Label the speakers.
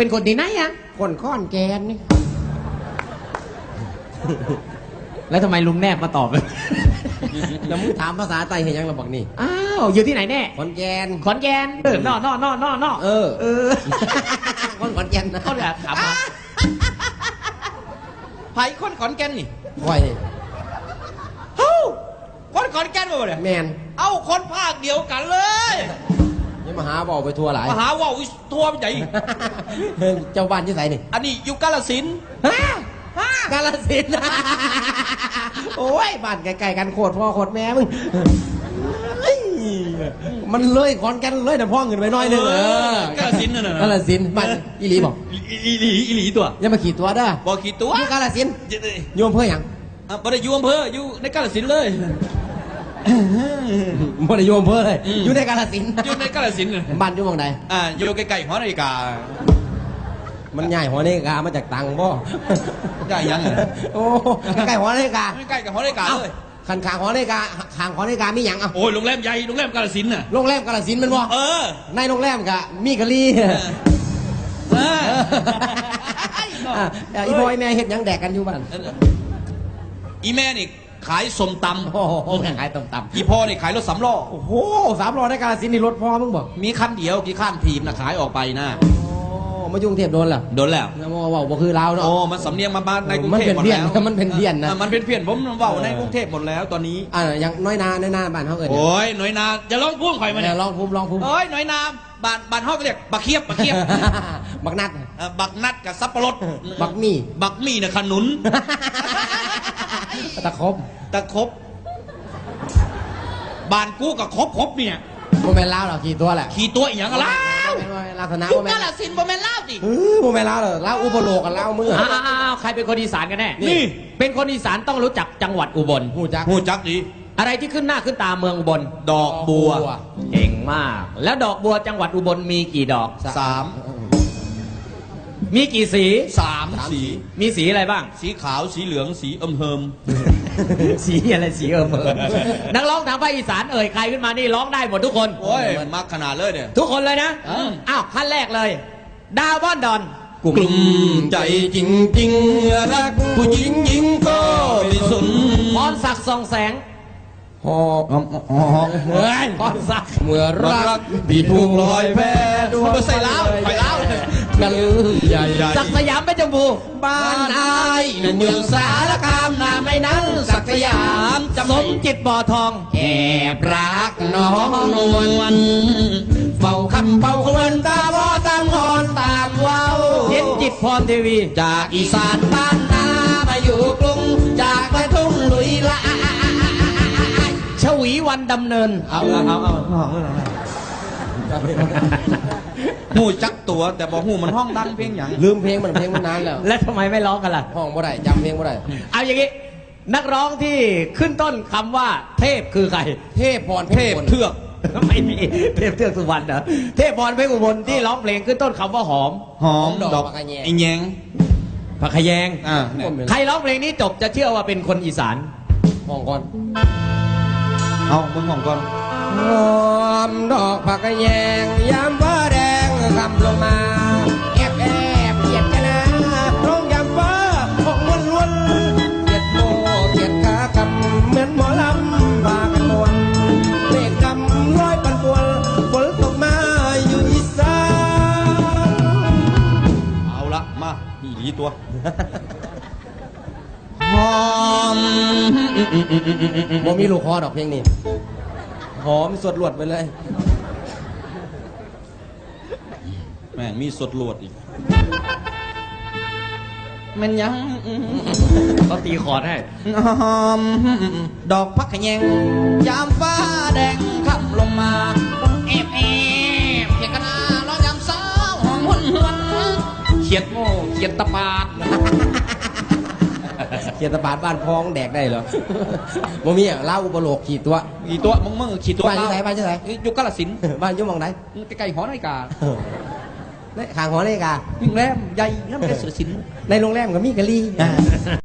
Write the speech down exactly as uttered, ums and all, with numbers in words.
Speaker 1: เป็นคนที่ไหนอะ
Speaker 2: คนข้อนแกนนี่
Speaker 1: แล้วทำไมลุงแนบมาตอบเลย
Speaker 2: แล้วมึงถามภาษาไทยเห็นยังเราบอกนี่
Speaker 1: อ้าวอยู่ที่ไหนแน่
Speaker 2: ขอนแกน
Speaker 1: ขอนแกนเออนอนอนอนอนอ
Speaker 2: เออ
Speaker 1: เออ
Speaker 2: คนขอนแกนนะ
Speaker 1: เขาจะถามมา
Speaker 3: ไผ่คนขอนแก่นนี่
Speaker 2: ไหว
Speaker 3: เฮ้าคนขอนแก่นมาเนี่ย
Speaker 2: แมน
Speaker 3: เอ้าคนภาคเดียวกันเลย
Speaker 2: ยังมาหาบอกไปทัวร์หลาย
Speaker 3: มาหาว่าวทัวร์ใหญ่
Speaker 2: เจ้าบ้านที่ไหนนี่
Speaker 3: อันนี้อยู่กาฬสินธุ์
Speaker 2: กาฬสินธุ์โอ้ยบ้านไกลๆกันโคตรพ่อโคตรแม่มึงมันเลยขอนแก่นเลยแต่พ่อเงินไปน้อยนึงเอ
Speaker 3: อกาฬสินธุ์น่ะ
Speaker 2: กาฬสินธุ์บ้านอีหลีบอก
Speaker 3: อีหลีอีหลีตัว
Speaker 2: อย่ามาขี่ตัวเด้อ
Speaker 3: บอกขี่ตัว
Speaker 2: อยู่กาฬสินธุ์โยมเพื่ออย่าง
Speaker 3: บ่ได้อยู่อำเภออยู่ในกาฬสินธุ์เลย
Speaker 2: บ่ได้โยมเพื่อเลยอยู่ในกาฬสินธุ์
Speaker 3: อยู่ในกาฬสินธุ์
Speaker 2: บ้านอยู่มองใด
Speaker 3: อ่าอยู่ใกล้ๆหอนาฬิกา
Speaker 2: มันใหญ่หอนาฬิกามาจากตังบ่
Speaker 3: ใหญ่ยัง
Speaker 2: โอ้ใกล้หอนาฬิกา
Speaker 3: ใกล้กับหอนาฬิกาเลย
Speaker 2: ขันขางหอนาฬิกาขางหอนาฬิกามีหยังอ่ะ
Speaker 3: โอ้ยโรงแรมใหญ่โรงแรมกาฬสินธุ์น่ะ
Speaker 2: โรงแรมกาฬสินธุ์มันบ่
Speaker 3: เออ
Speaker 2: ในโรงแรมกะมีกะลีเอออีบอยแม่เฮ็ดหยังแดกกันอยู่บ้าน
Speaker 3: อีแม่นี่ขายส้มตำ
Speaker 2: โอ้โหขายส้มตำ
Speaker 3: อีพ่อนี่ขายรถสำล้อ
Speaker 2: โอ้โหสามล้อในกาฬสินธุ์นี่รถพ่อมึงบอก
Speaker 3: มีคันเดียวกี่ขั้นทีมนะขายออกไปนะ
Speaker 2: มายุ่งเทพโดนเหรอ
Speaker 3: โดนแล้ว
Speaker 2: นะว่าว่าคือเราเนาะ
Speaker 3: โอ้มันสำเนียงมาบ้านในกรุงเทพหมดแล้ว
Speaker 2: มันเป็นเพี้ยนนะ
Speaker 3: มันเป็นเพี้ยนผมว่าในกรุงเทพหมดแล้วตอนนี้
Speaker 2: อ่าอย่างน้อยนาน้อยนาบ้านเขาเอ่ย
Speaker 3: โอ้ยน้อยนาจะร้องพุ่งข่อยมาเนี่ย
Speaker 2: ร้องพุ่มร้องพุ่ม
Speaker 3: โอ้ยน้อยนาบ้านบ้านเขาก็เรียกบักเคียบบักเคียบ
Speaker 2: บักนัด
Speaker 3: บักนัดกับซับปะรด
Speaker 2: บักมี่
Speaker 3: บักมี่เนี่ยขนุน
Speaker 2: ตะคบ
Speaker 3: ตะคบบ้านกูกับคบคบเนี่ย
Speaker 2: โมเมนต์เล่าหรอขี่ตัวแหละ
Speaker 3: ขี่ตัวอีกอย่างละ
Speaker 2: ลักษณะ
Speaker 3: โมเมนต์กาฬสินธุ์โมเมนต์เล่าดิ
Speaker 2: โมเมนต์เล่าเหรอเล่าอุปโลกกันเล่ามือ
Speaker 1: อ้าวใครเป็นคนอีสานกันแน่
Speaker 3: นี่
Speaker 1: เป็นคนอีสานต้องรู้จักจังหวัดอุบล
Speaker 2: หูจัก
Speaker 3: หูจักดี
Speaker 1: อะไรที่ขึ้นหน้าขึ้นตาเมืองอุบล
Speaker 3: ดอกบัว
Speaker 1: เก่งมากแล้วดอกบัวจังหวัดอุบลมีกี่ดอก
Speaker 3: สาม
Speaker 1: มีกี่สี
Speaker 3: สามสี
Speaker 1: มีสีอะไรบ้าง
Speaker 3: สีขาวสีเหลืองสีอมเฮิม
Speaker 1: สีอะไรสีเอิมเอิมนักร้องทางภาคอีสานเอ่ยใครขึ้นมานี่ร้องได้หมดทุกคน
Speaker 3: โอ้ยมักขนาดเลยเนี่ย
Speaker 1: ทุกคนเลยนะอ้าวขั้นแรกเลยดาวบ้านดอน
Speaker 3: กลุ่มใจจริงจริงรักผู้หญิงหญิงก็ไม่สน
Speaker 1: พรศักดิ์ส่องแสง
Speaker 2: หอบหอบ
Speaker 1: เมื่อพรศักดิ์
Speaker 2: เมื่อรัก
Speaker 3: ที่ถูกลอยแพดูใส่เล้าไปเล้า
Speaker 2: กันใหญ่
Speaker 1: ศักดิ์สยามเป็นจมูก
Speaker 2: บ้านอายเมืองสารคามนาไม่นั้นศักดิ์สยาม
Speaker 1: สมจิตบ่อทอง
Speaker 2: แอบรักน้องนวลเฝ้าคำเฝ้าควรตาบ่ตามหอนตามว้าว
Speaker 1: เย็นจิตพรทีวี
Speaker 2: จากอีสานบ้านนามาอยู่กรุงจากกระทุ่งลุยละ
Speaker 1: ชวีวันดำเนิน
Speaker 3: เอาเอาเอาหูจักตัวแต่บอกหูมันห้องดังเพลงอย่าง
Speaker 2: ลืมเพลงมันเพลงมันนานแล้ว
Speaker 1: แล้วทำไมไม่ร้องกันล่ะ
Speaker 2: ห้องบ่ได้จำเพลงบ่ได้
Speaker 1: เอาอย่างงี้นักร้องที่ขึ้นต้นคำว่าเทพคือใคร
Speaker 2: เทพพร
Speaker 3: เทพเทือก
Speaker 1: ไม่มีเทพเทือกสุวรรณเหรอเทพพรเพชรอุบลที่ร้องเพลงขึ้นต้นคำว่าหอม
Speaker 3: หอมดอกไอ้แยง
Speaker 1: ผักขยง
Speaker 3: อ่า
Speaker 1: ใครร้องเพลงนี้จบจะเชื่อว่าเป็นคนอีสาน
Speaker 2: ห้องก่อน
Speaker 3: เอามึงห้องก่อน
Speaker 2: หอมดอกผักแยงยามฟ้าแดงคำลงมาแอบแอบเกียดกันนะร้องยามฟ้าหกวนวนเกียดโมเกียดขากำเหมือนหมอลำพากันมวนเมฆดำร้อยปันปวนฝนตกมาอยู่อีสาน
Speaker 3: เอาละมาอีหลีตัวหอม
Speaker 2: โมมีลูกคอดอกเพลงนี้หอมสดหลวดไปเลย
Speaker 3: แม่งมีสดหลวดอีกมันยัง
Speaker 1: เขาตีคอร์ดให้
Speaker 3: หอมดอกพักขยงยามฟ้าแดงขับลงมาเอฟเอฟเขียดกระนาล้อยามสาวหอมหุ่นหุ่นเขียดโง่เขียดตะปาด
Speaker 2: เขียดตะปาดบ้านพ้องแดกได้เหรอโมมีอ่ะเล่าอุปโลกขี่ตัว
Speaker 3: ขี่ตัวมึงมึงขี่ตัว
Speaker 2: บ้านที่ไหนบ้านที่ไหน
Speaker 3: ยุคกาฬสินธุ์
Speaker 2: บ้านยุคมองไหน
Speaker 3: ใกล้ๆหอนาฬิกา
Speaker 2: ในข้างหอนาฬิกา
Speaker 3: โรงแรมใหญ่นั่นเป็นสุดสิน
Speaker 2: ในโรงแรมก็มีกะลี